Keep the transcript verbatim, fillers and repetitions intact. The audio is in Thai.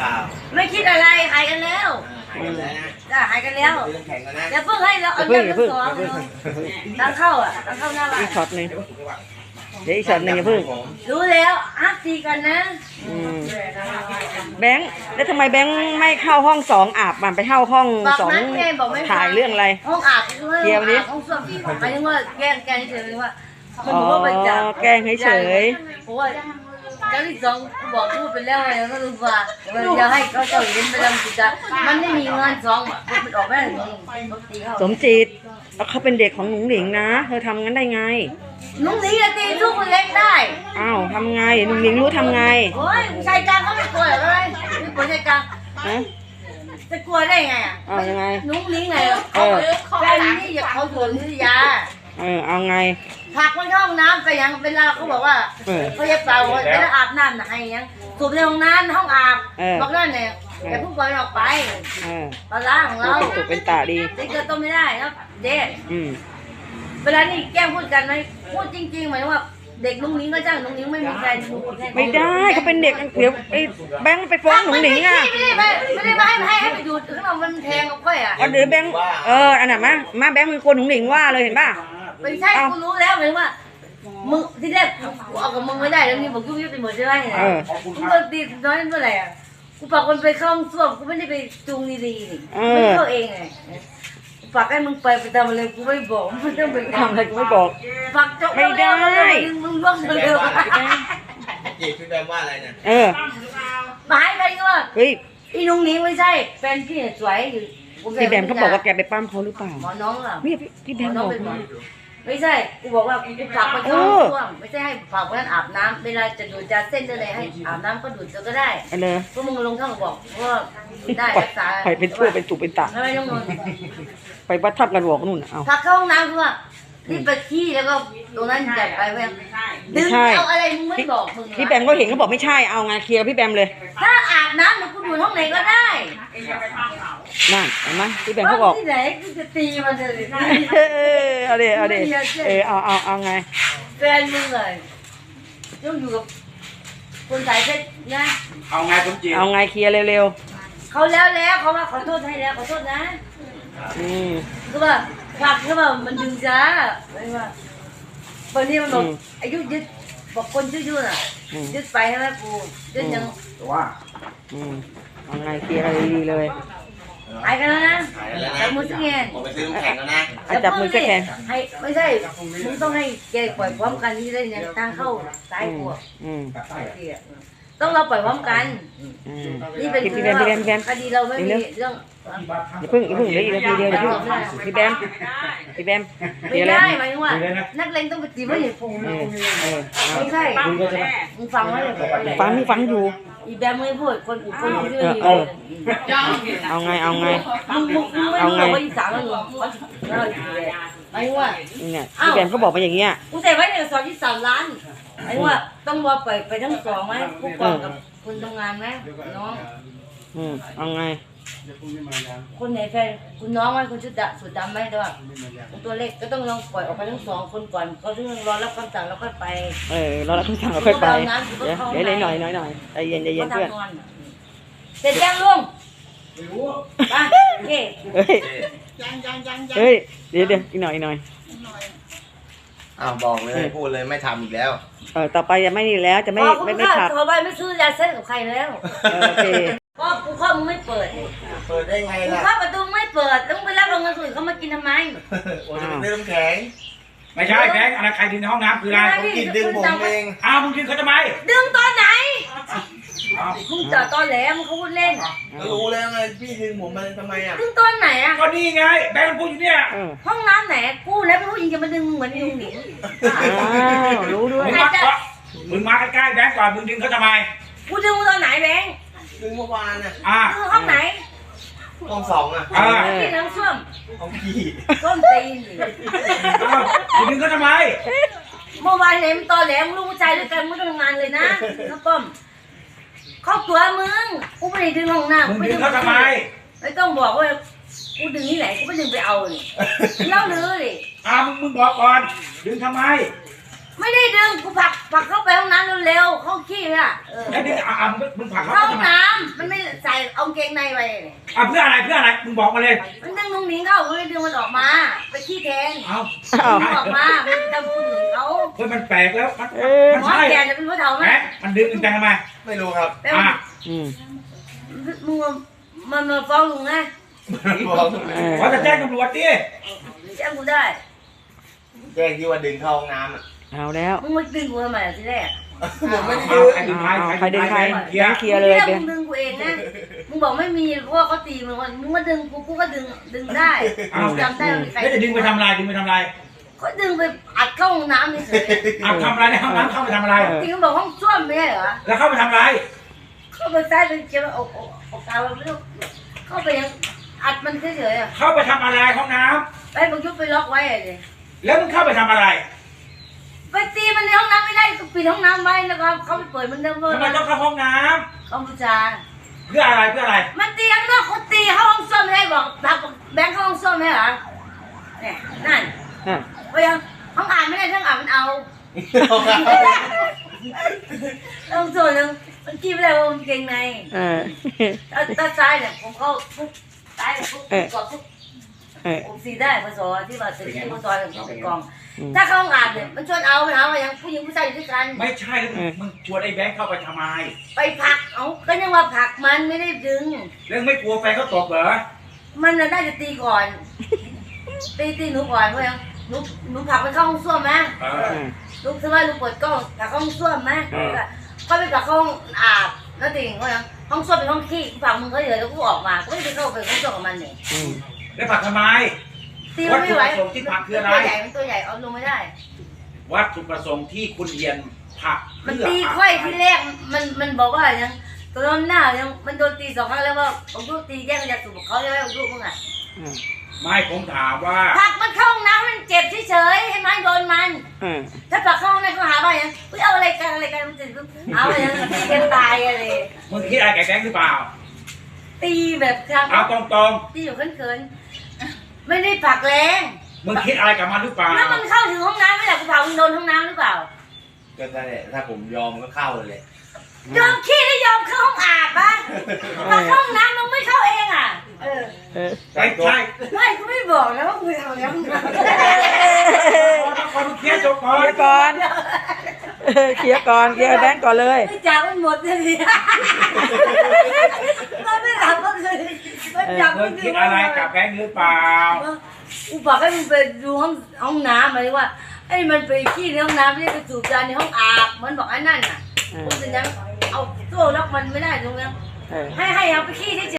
ไม่คิดอะไรหายกันแล้วจ้าหายกันแล้วอย่าเพิ่งให้เราเอาเรื่องสองตั้งเข้าอ่ะตั้งเข้าหน้าบ้านอีกช็อตหนึ่งเดี๋ยวอีกช็อตหนึ่งอย่าเพิ่งรู้แล้วอัพตีกันนะแบงค์แล้วทำไมแบงค์ไม่เข้าห้องสองอาบมันไปเข้าห้องสองถ่ายเรื่องอะไรห้องอาบเกี่ยวดิห้องส้วมหมายถึงว่าแกล้งแกล้งเฉยๆว่าอ๋อแกล้งเฉยเพราะว่าเจ้าที่สองบอกพูดไปแล้วไงก็รู้ว่าจะให้เขาเจ้าเห็นไปทำกิจการมันไม่มีงานสองมันออกไม่ได้สมจิตเขาเป็นเด็กของหนุ่งหนิงนะเธอทำงั้นได้ไงหนุ่งหนิงจะตีลูกคนเล็กได้อ้าวทำไงหนุ่งหนิงรู้ทำไงโอ้ยชายกลางเขาไม่กลัวหรอเลยไม่กลัวชายกลางจะกลัวได้ไงอ่ะเอายังไงหนุ่งหนิงไงแฟนนี่อยากเขาโดนนิยาเออเอาไงผักมันห้องน้ำก็ยังเวลาเขาบอกว่าเขาจะเป่าเวลาอาบน้ำไหนยังสูบในห้องน้ำห้องอาบบอกนั่นเนี่ยอย่าเพิ่งปล่อยออกไปปลาล้างของเราถูกเป็นตาดีเด็กเกิดต้มไม่ได้แล้วเด็กเวลานี่แกล้งพูดกันไหมพูดจริงๆหมายว่าเด็กลุงนิ้งก็จ้างลุงนิ้งไม่มีแฟนไม่ได้เขาเป็นเด็กเดี๋ยวไอ้แบงค์ไปฟ้องหนุ่งหนิงอ่ะไม่ได้ไม่ได้ไม่ได้ให้ให้ไปดูข้างนอกมันแทงกับค่อยอ่ะเดี๋ยวแบงค์เอออันนั้นมามาแบงค์เป็นคนหนุ่งหนิงว่าเลยเห็นป่ะไม่ใช่กูรู้แล้วเหมือนว่ามึงที่แรกกูเอากับมึงไม่ได้แล้วนี่บอกยุ่งยุ่งไปหมดใช่ไหมกูก็ตีน้อยเมื่อไหร่อ่ะกูฝากคนไปเข้าห้องส้วมกูไม่ได้ไปจูงดีๆไม่เข้าเองไงฝากให้มึงไปไปทำอะไรกูไม่บอกมึงต้องไปทำอะไรกูไม่บอกฝากจบไม่ได้มึงล่วงเร็วจีบพี่แบมว่าอะไรเนี่ยเออหมายไปก็ว่าเฮ้ยอีนุ่งนี้ไม่ใช่แฟนพี่สวยอยู่พี่แบมเขาบอกว่าแกไปปั้มเขาหรือเปล่าหมอน้องอ่ะไม่พี่แบมบอกไม่ใช่กูบอกว่ากูฝากไปเข้าห้องไม่ใช่ให้ฝากคนนั้นอาบน้ำเวลาจะดูดจะเส้นจะอะไรให้อาบน้ำก็ดูดก็ได้เลยพวกมึงลงท่องบอกว่าได้รักษาไปเป็นชั่วเป็นตุเป็นตะทำไมต้องนอนไปวัดทับกันบอกนู่นเอาฝากเข้าห้องน้ำคือว่ารีบไปขี้แล้วก็ตรงนั้นจัดไปแม่ดึงเอาอะไรมึงไม่บอกมึงพี่แบมก็เห็นเขาบอกไม่ใช่เอาไงเคลียร์พี่แบมเลยถ้าอาบน้ำหนูกูดูห้องไหนก็ได้นั่นเห็นไหมพี่แบมเขาบอกที่ไหนกูจะตีมันเลยเออเอาเดี๋ยวเอาเดี๋ยวเออเอาเอาเอาไงแฟนมึงเลยต้องอยู่กับคนสายเพชรนะเอาไงผมจีเอาไงเคลียร์เร็วๆเขาแล้วแล้วเขาว่าขอโทษให้แล้วขอโทษนะอืมคือว่าฝากคือว่ามันดึงจ้าไม่ว่าตอนนี้มันบอกอายุยึดบอกคนยืดยืดอ่ะยึดไปใช่ไหมกูยึดยังว่าอืมเอาไงเคลียร์อะไรดีเลยหายกันแล้วนะจับมือสักแขนผมไปซื้อน้ำแข็งแล้วนะจับมือสักแขนให้ไม่ใช่มึงต้องให้แกปล่อยพร้อมกันที่ได้เนี่ยทางเข้าซ้ายกูต้องเราปล่อยพร้อมกันนี่เป็นพี่แบมพี่แบมพี่แบมคดีเราไม่มีเรื่องอย่าเพิ่งอย่าเพิ่งเหลืออีกนาทีเดียวอย่าเพิ่งพี่แบมพี่แบมไม่ได้หมายถึงว่านักเลงต้องไปตีไม่ใช่พงไม่ใช่มึงฟังไว้เลยฟังมึงฟังอยู่อีแบมไม่พูดคนอื่นคนอื่นเออเอาไงเอาไงเอาไงว่าอีสานมันหรอไอ้ว่าเนี่ยพี่แบมเขาบอกมาอย่างเงี้ยกูแต่ไว้ในซอยที่สามล้านไอ้ว่าต้องรอไปไปทั้งสองไหมผู้กองกับคนทำงานไหมน้องอืมเอาไงคนไหนแฟนคุณน้องไหมคุณชุดดำสุดดำไหมแต่ว่าตัวเล็กก็ต้องลองปล่อยออกไปทั้งสองคนก่อนเขาถึงรอรับคำสั่งแล้วค่อยไปเออรอรับคำสั่งแล้วค่อยไปเดี๋ยวเดี๋ยวหน่อยหน่อยหน่อยใจเย็นใจเย็นเพื่อนเสร็จยังลุงไปโอเคเฮ้ยเฮ้ยเดี๋ยวเดี๋ยวอีกหน่อยอีกหน่อยอ้าวบอกเลยพูดเลยไม่ทำอีกแล้วเออต่อไปจะไม่นี่แล้วจะไม่ไม่ไม่ขับต่อไปไม่ซื้อยาเส้นกับใครแล้วโอเคก็กูเข้ามึงไม่เปิดเปิดได้ไงล่ะเข้าประตูไม่เปิดต้องไปรับโรงงานส่วนเขามากินทำไมโอ้ยจะไปซื้อน้ำแข็งไม่ใช่แข็งอะไรใครดึงในห้องน้ำคืออะไรผมกินดึงผมเองอ้าวมึงดึงเขาทำไมดึงตอนไหนมึงจอดตอนแหลมมึงเขาพูดเล่นรู้แล้วไงพี่ดึงผมมาทำไมอ่ะดึงตอนไหนอ่ะก็นี่ไงแบงค์พูดอยู่เนี่ยห้องน้ำไหนกูแล้วไม่รู้ยิงจะมาดึงเหมือนยุงหนิงรู้ด้วยมึงมาใกล้ๆแบงค์ก่อนมึงดึงเขาทำไมกูดึงตอนไหนแบงค์ดึงเมื่อวานน่ะอ่าห้องไหนห้องสองอ่ะอ่าที่น้ำส้วมห้องพี่ต้นตีนมึงดึงเขาทำไมเมื่อวานเนี่ยมึงตอนแหลมลูกชายด้วยกันมึงทำงานเลยนะน้าป้อมเข้าตัวมึงกูไม่ได้ดึงห้องน้ำมึงดึงเขาทำไมไม่ต้องบอกว่ากูดึงนี่ไหนกูไม่ดึงไปเอาเลยเล่าเลยอ่ามึงมึงบอกก่อนดึงทำไมไม่ได้ดึงกูผลักผลักเข้าไปห้องน้ำเร็วๆห้องขี้อ่ะเออแล้วดึงอ่ะอ่ะมึงมึงผลักเขาเข้าห้ทำองไมน้ำมันไม่ใส่เอากางเกงในไปเนี่ยอ่ะเพื่ออะไรเพื่ออะไรมึงบอกมาเลยมันดึงนุ่งหนิงเข้าก็เลยดึงมันออกมาไปขี้แทนเอาดึงออกมามันจะพูดถึงเขาเฮ้ยมันแปลกแล้วมันเออมันหมอใช่แกจะเป็นผู้เฒ่าไหมแหมมันดึงดึงจังทำไมไม่รู้ครับแล้วอ่ะอืมมึงมันมาฟ้องลุงไงบอกเออขอจะแจ้งตำรวจดิแจ้งกูได้แจ้งที่ว่าดึงเข้าห้องน้ำอ่ะเอาแล้วมึงมาดึงกูทำไมทีแรกผมไม่ได้เอาดึงใครดึงใครเอาใครดึงใครเคลียร์เคลียร์เลยทีแรกเบมึนงดึงกูเองนะมึงบอกไม่มีเพราะว่าเขาตีมึงว่ามึงมาดึงกูกูก็ดึงดึงได้กูจำได้ว่ามีใครแล้วจะดึงไปทำอะไรดึงไปทำอะไรก็ดึงไปอัดเข้าห้องน้ำเฉยอ่ะทำอะไรในห้องน้ำเข้าไปทำอะไรๆจริงๆบอกห้องส้วมไม่ใช่เหรอแล้วเข้าไปทำอะไรเข้าไปซ้ายไปเขียวอกอกอกกาวไม่รู้เข้าไปยังอัดมันเฉยๆอ่ะเข้าไปทำอะไรห้องน้ไปบังยุบไปล็อกไว้เลยำแล้วมึงเข้าไปทำอะไรไปตีมันในห้องน้ำไม่ได้ก็ปิดห้องน้ำไว้แล้วก็เขาไปเปิดมันเดิมเลทำไมยต้องเข้าห้องน้กัมพูชาำเพื่ออะไรเพื่ออะไรมันตีข้างนอกเขาตีเข้าห้องส้วมไม่ได้บอกทักแบงค์เข้าห้องส้วมไม่เหรอเนี่ยนั่นอ่ะไปยังห้องอ่านไม่ได้ทั้งอ่านมันเอาต้องส่วนหนึ่งมันกินไม่ได้ว่ามันเก่งในเออถ้าถ้าซ้ายเนี่ยผมเข้าปุ๊บซ้ายปุ๊บเออกดปุ๊บเออผมสีได้พศที่ว่าเป็นที่พศหนึ่งเขาเป็นกองอืมถ้าเข้าห้องอ่านเนี่ยมันชวนเอาไปหาว่ายังผู้หญิงผู้ชายอยู่ด้วยกันไม่ใช่แล้วมึงมึงชวนไอ้แบงค์เข้าไปทำไมไปผลักเอาก็ยังว่าผลักมันไม่ได้ดึงแล้วไม่กลัวแฟนเขาตบเหรอมันน่ะน่าจะตีก่อน ตีตีหนูก่อนเพราะยังหนูหนูผลักไปเข้าห้องส้วมไหมเอเอออลูกสมัยลูกเปิดกล้องผลักเข้าห้องส้วมไหมเออเขาไปผลักเข้าห้องอาบแล้วติ่งเพราะยังห้องส้วมเป็นห้องขี้ผลักมึงก็เยอะแล้วกูออกมาก็ไม่ได้เข้าไปห้องส้วมกับมันเนี่ยอืมแล้วผลักทำไมตีมันไม่ไหววัตถุประสงค์ที่ผลักคืออะไรตัวใหญ่มันตัวใหญ่เอาลงไม่ได้วัตถุประสงค์ที่คุณเรียนผลักมันเพื่อตีค่อยที่แรกมันมันบอกว่ายังตัวน้ำหน้ายังมันโดนตีสองครั้งแล้วว่าผมลูกตีแย่งจากสูบเขาใช่ไหมผมลูกมึงอ่ะอืมไม่ผมถามว่าผลักมันเข้าห้องน้ำมันเจ็บเฉยๆให้มันโดนมันเออถ้าผลักเข้าห้องน้ำก็หาว่าอย่างเฮ้ยเอาอะไรกันอะไรกันมันจะเอาอะไรกันตีกันตายอะไรมึงคิดอะไรกับแบงค์หรือเปล่าตีแบบครั้งเอาตรงตีอยู่เขินๆไม่ได้ผลักแรงๆ มึงคิดอะไรกับมันหรือเปล่าแล้วมันเข้าถึงห้องน้ำไม่ได้กูผลักมันโดนห้องน้ำหรือเปล่าก็ได้แหละถ้าผมยอมก็เข้าเลยยอมขี้ได้ยอมเข้าห้องอาบปะมาเข้าห้องน้ำมึงไม่เข้าเองอ่ะเออเออไม่ใช่ไม่กูไม่บอกนะว่ากูทำแล้วมึงทต้องคนเคลียร์จบก่อเคลียร์ก่อน เออเคลียร์ก่อนเคลียร์แบงก์ก่อนเลยำไม่จ่ายมันหมดเลยดิมันไม่ทำก็คือมันจับมึงคิดอะไรกับแบงค์หรือเปล่ากูบอกให้มึงไปดูห้องห้องน้ำหมายว่าไอ้มันไปขี้ในห้องน้ำไม่ได้ไปสูบยาในห้องอาบมันบอกไอ้นั่นน่ะเออกูจะยังเอาโซ่ล็อกมันไม่ได้ตรงนั้นเออให้ให้เอาไปขี้ที่